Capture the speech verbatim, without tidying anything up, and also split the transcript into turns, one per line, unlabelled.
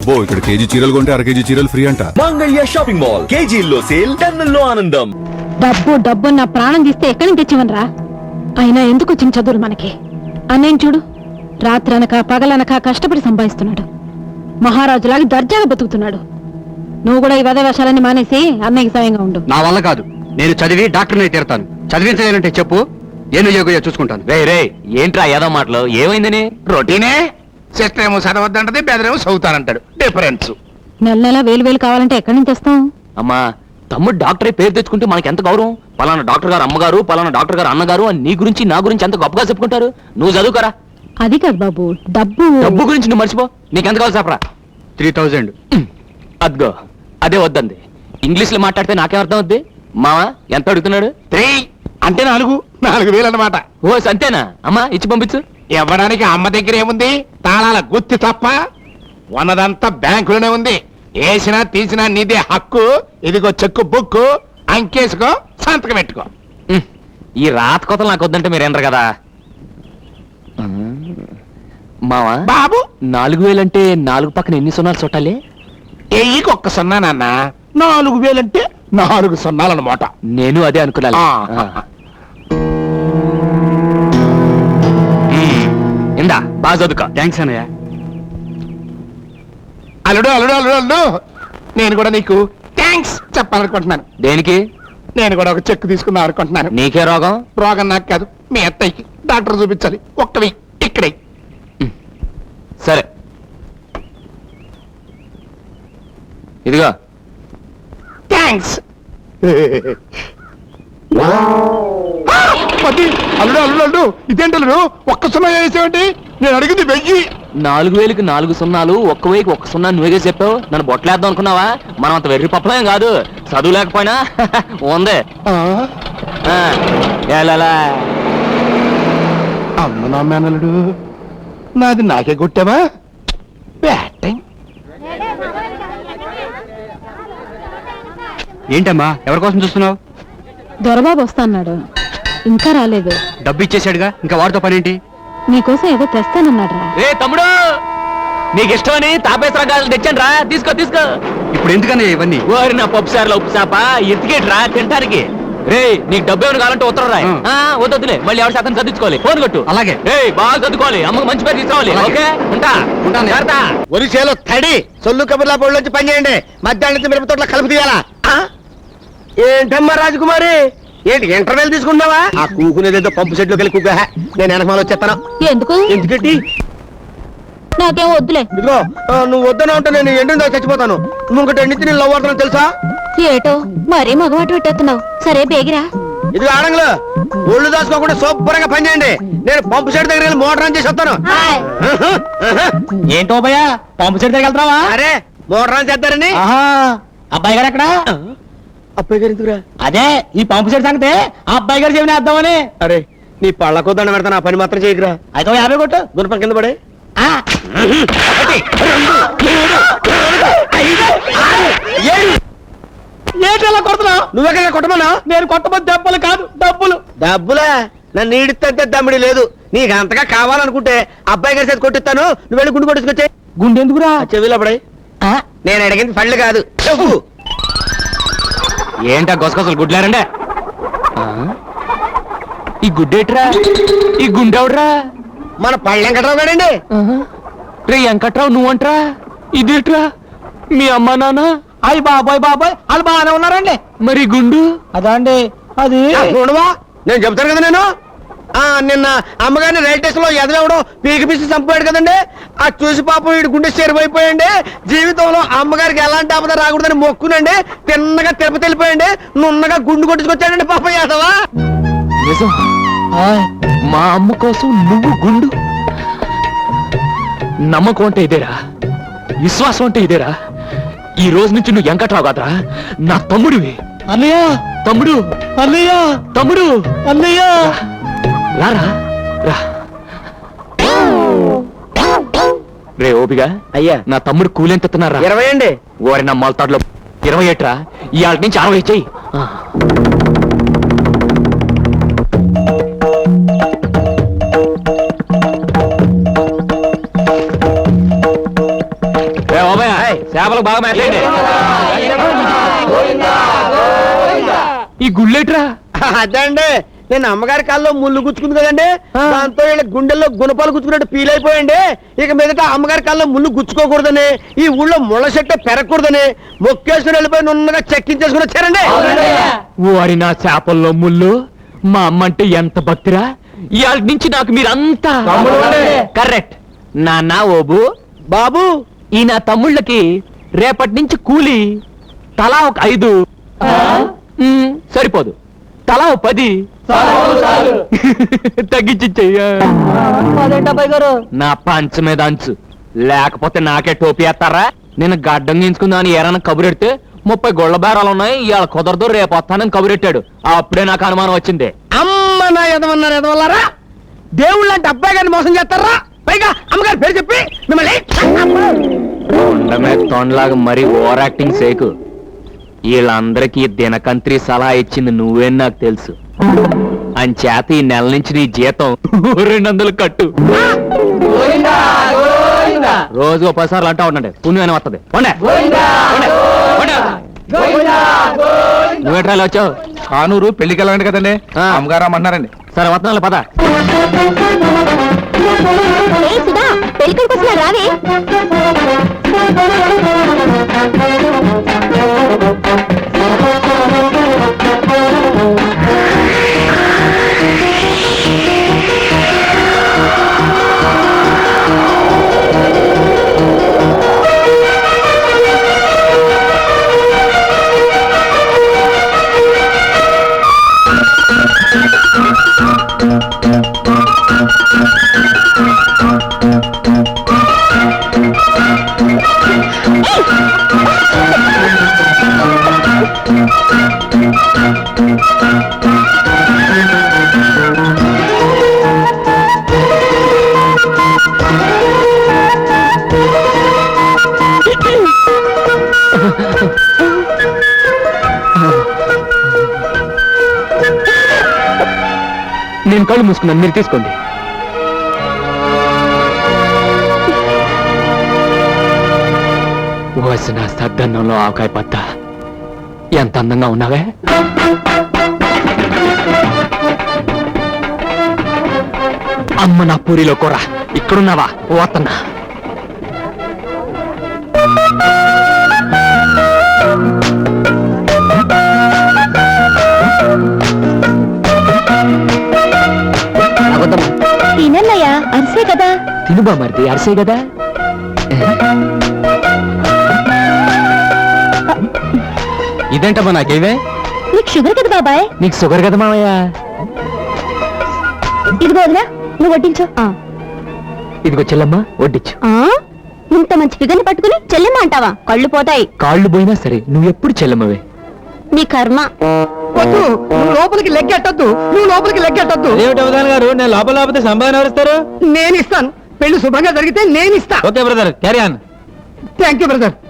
అబ్బో ఇక్కడ కేజీ చీరలు కొంటే అర కేజీ చీరలు ఫ్రీ అంట.
మంగళ్య షాపింగ్ మాల్, కేజీల్లో సేల్, టన్నుల్లో ఆనందం.
డబ్బు డబ్బు నా ప్రాణం తీస్తే ఎక్కడి నుంచి తెచ్చివనరా? అయినా ఎందుకు వచ్చిన చదువులు మనకి? అన్నయ్య చూడు, రాత్రనక పగలనక కష్టపడి సంపాదిస్తున్నాడు, మహారాజులాగా దర్జాగా బతుకుతున్నాడు. నువ్వు కూడా ఈ వద వేషాలన్నీ మానేసి అన్నయ్యకి సాయంగా ఉండు.
నా వల్ల కాదు, నేను చదివి డాక్టర్ని తీరుతాను. చదివించాలంటే చెప్పు, ఏను యోగయో చూసుకుంటాను.
రే రే ఏంట్రా ఏదో మాటలు, ఏమైందని?
రొటీనే. సిస్టర్ ఏమో చదవద్దంటది, బెదరేమో చదువుతానంటాడు. డిఫరెన్స్.
నెల నెల వేలు వేలు కావాలంటే ఎక్కడి నుంచి తెస్తాం?
అమ్మా, తమ్ముడు డాక్టర్ పేరు తెచ్చుకుంటే మనకి ఎంత గౌరవం. పలానా డాక్టర్ గారు అమ్మగారు, పలానా డాక్టర్ గారు అన్నగారు అని నీ గురించి నా గురించి ఎంత గొప్పగా చెప్పుకుంటారు. నువ్వు చదువుకరా.
అది కాదు బాబు, డబ్బు
డబ్బు గురించి నువ్వు మర్చిపో. నీకెంత కావాలి చెప్పరా?
Three thousand.
అద్గో అదే వద్దంది. ఇంగ్లీష్ లో మాట్లాడితే నాకేం అర్థం అవుద్ది? మావా ఎంత అడుగుతున్నాడు?
త్రీ అంటే నాలుగు నాలుగు వేలు అన్నమాట.
ఓ సంతేనా? అమ్మా ఇచ్చి పంపించు.
ఇవ్వడానికి అమ్మ దగ్గర ఏముంది? తాళాల గుత్తి తప్ప. ఉన్నదంతా బ్యాంకులోనే ఉంది. వేసినా తీసినా నీదే హక్కు. ఇదిగో చెక్కు బుక్కు, అంకేసుకో, సంతకం పెట్టుకో.
ఉమ్, ఈ రాత కోతలు నాకు వద్దంటే మీరేంటారు కదా. మావా
బాబు,
నాలుగు వేలంటే నాలుగు పక్కన ఎన్ని సున్నాలు చుట్టాలి?
ఎయ్యికి ఒక్క సున్నా నాన్న. నాలుగు వేలంటే నాలుగు సున్నాలన్నమాట.
నేను అదే అనుకున్నాను.
ఆ.
ఇందా బాగా చదువుకో.
థ్యాంక్స్ అన్నయ్య.
అల్లుడు అల్లుడు అల్లుడు అల్లుడు నేను కూడా నీకు థ్యాంక్స్ చెప్పాలనుకుంటున్నాను.
దేనికి?
నేను కూడా ఒక చెక్ తీసుకుందాం అనుకుంటున్నాను.
నీకే రోగం?
రోగం నాకు కాదు, మీ అత్తయ్యకి. డాక్టర్ చూపించాలి. ఒక్కవి ఇక్కడే.
సరే ఇదిగో.
థ్యాంక్స్. అల్లుడు అల్లుడు అల్లుడు ఇదేంటి అల్లుడు, ఒక్క సున్నా వేసేవంటి? నేను అడిగింది వెయ్యి.
నాలుగు వేలకి నాలుగు సున్నాలు, ఒక్క వేయికి ఒక్క సున్నా నువ్వేగా చెప్పావు. నన్ను బొట్టలేద్దాం అనుకున్నావా? మనం అంత వెర్రి పప్పలేం కాదు. చదువు లేకపోయినా ఉంది. ఆ, ఏలాలా.
అమ్మ నా మేనల్లుడు, నాది నాకే కొట్టావా? బ్యాటింగ్.
ఏంటమ్మా, ఎవరి కోసం చూస్తున్నావు?
దొరబాబు వస్తా అన్నాడు, ఇంకా రాలేదు.
డబ్బు ఇచ్చేసాడుగా, ఇంకా వాడితో పనేంటి?
నీకోసం ఏదో తెస్తానన్నాడు రా.
రే తమ్ముడు, నీకు ఇష్టమని తాపేశ్వర గాజులు తెచ్చాను రా, తీసుకో తీసుకో.
ఇప్పుడు ఎందుకన్నయ్య ఇవన్నీ?
ఓరి నా పప్పు సార్లు ఉప్పు చేప ఎత్తికేటి రా తింటానికి. రే నీకు డబ్బు ఏమైనా కావాలంటే ఉత్తరం రాయి.
ఆ.
వద్దులే, మళ్ళీ ఎవరి శాతం చదివించుకోవాలి. ఫోన్ కొట్టు.
అలాగే.
రే బాగా చదువుకోవాలి, అమ్మకు మంచి పేరు తీసుకురావాలి.
అలాగే.
ఓకే ఉంటా.
ఉంటాను.
జాగ్రత్త.
ఒరిసేలో తడి సొల్లు కబుర్లా పొడిలోంచి పని చేయండి. మధ్యాహ్నం మిరప తోటలో కలుపు తీయాలా? ఏంటమ్మా రాజకుమారి, ఏంటి ఇంటర్వెల్ తీసుకున్నావా? ఆ కూకునేదేదో పంపు సెట్లోకి వెళ్ళి కూక. నేను వెనకమాల వచ్చేస్తాను.
ఎందుకు?
ఎందుకంటే
నాకేం వద్దులే.
ఇదిగో, ఆ, నువ్వు వద్దన ఉంటే నేను ఎండిందో చచ్చిపోతాను. నువ్వు ఇంకటి ఎండితే నేను లవ్ అవుతాను తెలుసా?
ఏటో మరీ మగవాటు పెట్టేస్తున్నావు. సరే బేగిరా.
ఇది ఆడంగులు ఒళ్ళు దాచుకోకుండా శుభ్రంగా పని చేయండి. నేను పంపు సెట్ దగ్గర వెళ్ళి మోటార్ ఆన్ చేసి వస్తాను.
ఏంటో భయ్యా, పంపు సెట్ దగ్గర వెళ్తావా?
అరే మోటార్ ఆన్ చేద్దారని.
అబ్బాయి గారు ఎక్కడ?
అబ్బాయి గారు ఎందుకురా?
అదే ఈ పంపు సెట్ సంగతే ఆ అబ్బాయి గారు చెవిని వేద్దామని.
అరే నీ పళ్ళకో దండ పెడతాను, ఆ పని మాత్రం చేయకురా.
అయితే యాభై కొట్టు.
గుణపం కింద పడే.
ఏంటలా కొడుతున్నావు?
నువ్వెక్కడ కొట్టమన్నా?
నేను కొట్టబోతు దెబ్బలు కాదు, డబ్బులు.
డబ్బులా? నన్ను ఈడితే దమ్మిడి లేదు. నీకు అంతగా కావాలనుకుంటే అబ్బాయి గారి చేతి కొట్టిస్తాను. నువ్వు వెళ్ళి గుండు కొట్టుకొచ్చే.
గుండెందుకురా?
చెవిలో పడే. నేను అడిగింది పళ్ళు కాదు, చెప్పు.
ఏంటా గొసగొసలు గుడ్లారండే? ఈ గుడ్డేట్రా? ఈ గుండెవడ్రా?
మన పళ్ళు వెంకట్రావు గారండి.
రే వెంకట్రావు నువ్వంట్రా? ఇదేట్రా? మీ అమ్మా నాన్న?
అయ్యి బాబాయ్ బాబాయ్ వాళ్ళు బాగానే ఉన్నారండి.
మరి గుండు?
అదా అండి, అది
చూడవా, నేను చెప్తాను కదా. నేను ఆ నిన్న అమ్మగారిని రైల్ స్టేషన్ లో ఎదవడం పీకి పీసి చంపాడు కదండి. ఆ చూసి పాపం వీడి గుండె చెరువైపోయండి. జీవితంలో అమ్మగారికి ఎలాంటి ఆపద రాకూడదని మొక్కునండి. తిన్నగా తిరుపతి వెళ్ళిపోయండి. నున్నగా గుండు కొట్టుకొచ్చాడండి పాపం యాదవా.
నిజం? మా అమ్మ కోసం నువ్వు గుండు? నమ్మకం అంటే ఇదేరా, విశ్వాసం అంటే ఇదేరా. ఈ రోజు నుంచి నువ్వు వెంకట్రావు కాదురా, నా తమ్ముడివి.
అన్నయ్య
తమ్ముడు,
అన్నయ్య
తమ్ముడు,
అన్నయ్య
రారా రా. రే ఓపిగా
అయ్యా,
నా తమ్ముడు కూలెంత ఎత్తున్నారా?
ఇరవై అండి.
ఓరి నా మొలతాడులో ఇరవై ఏట్రా. ఇవాళ నుంచి అరవై చెయ్యి. చేపలకు బాగా మేతండి ఈ గుళ్ళేట్రా
అదండి నేను అమ్మగారి కాల్లో ముళ్ళు గుచ్చుకుంది కదండి దాంతో వీళ్ళ గుండెల్లో గుణపాలు గుచ్చుకున్నట్టు ఫీల్ అయిపోయండి. ఇక మీదట అమ్మగారి కాల్లో ముళ్ళు గుచ్చుకోకూడదని, ఈ ఊళ్ళో ముళ్ళ చెట్టు పెరగకూడదని మొక్కేసుకుని వెళ్ళిపోయి నున్నగా చెక్కించేసుకుని వచ్చారండి.
వారి నా చేపల్లో ముళ్ళు మా అమ్మ అంటే ఎంత భక్తిరా. ఇవాళ నుంచి నాకు మీరంతా కరెక్ట్. నాన్న ఓబు
బాబు
ఈ నా తమ్ముళ్ళకి రేపటి నుంచి కూలి తలా ఒక ఐదు మ్, సరిపోదు తలా ఒక పది తగ్గించియ్యా. నా పంచ మీద అంచు లేకపోతే నాకే టోపీ వేస్తారా. నేను గడ్డం గీంచుకుందామని ఏరైనా కబురెడితే ముప్పై గొళ్ళ బేరాలు ఉన్నాయి, ఇవాళ కుదరదు రేపు వస్తానని కబురెట్టాడు. అప్పుడే నాకు అనుమానం వచ్చింది.
అమ్మ నా ఎదవన్నారు ఎదవల్లారా, దేవుళ్ళు అంటే అబ్బాయి గారిని మోసం చేస్తారా? పైగా అమ్మగారి పేరు చెప్పి మిమ్మల్ని
ఉండమే తొండలాగా మరీ ఓవర్ యాక్టింగ్ సేకు. వీళ్ళందరికీ దినకంత్రి సలహా ఇచ్చింది నువ్వేం నాకు తెలుసు. అంచేత ఈ నెల నుంచి నీ జీతం రెండు వందలు కట్టు. రోజు ఓ పది సార్లు అంటా ఉండండి, పుణ్యమైన వస్తుంది. నువ్వేట్రా ఇలా వచ్చావు?
కానూరు పెళ్లికి వెళ్ళండి కదండి,
ఆ.
అమ్మగారు అమ్మన్నారండి.
సరే వస్తున్నాను పద.
పెళ్ళికొడుకు వచ్చినా రావే.
నేను కళ్ళు మూసుకున్నాను, మీరు తీసుకోండి. వసిన సద్దన్నంలో ఆవకాయ పత్త ఎంత అందంగా ఉన్నావే. అమ్మ నా పూరిలో కూర ఇక్కడున్నావా? పోతన్నా
తినన్నయ్యా, అరిసే కదా.
తినుబా మరిది, అరిసే కదా. ఇదేంటమ్మా నాకేవే?
నీకు షుగర్ కదా బాబాయ్.
నీకు షుగర్ కదా మావయ్య.
ఇదిగో వదినా, నువ్వు వడ్డించు.
ఇదిగో చెల్లమ్మా వడ్డించు.
ఇంత మంచి ఫిగర్ని పట్టుకుని చెల్లెమ్మ అంటావా? కళ్ళు పోతాయి.
కాళ్ళు పోయినా సరే నువ్వు ఎప్పుడు చెల్లమ్మవే.
నీ కర్మ.
వద్దు, నువ్వు లోపలికి లెక్కెట్టద్దు, నువ్వు లోపలికి లెక్కెట్టద్దు.
ఏమిటి అవధాన్ గారు, నేను లోపల లేకపోతే సంపాదన ఎవరిస్తారు?
నేను ఇస్తాను. పెళ్లి శుభంగా జరిగితే నేను ఇస్తా.
Okay brother, carry on.
Thank you brother.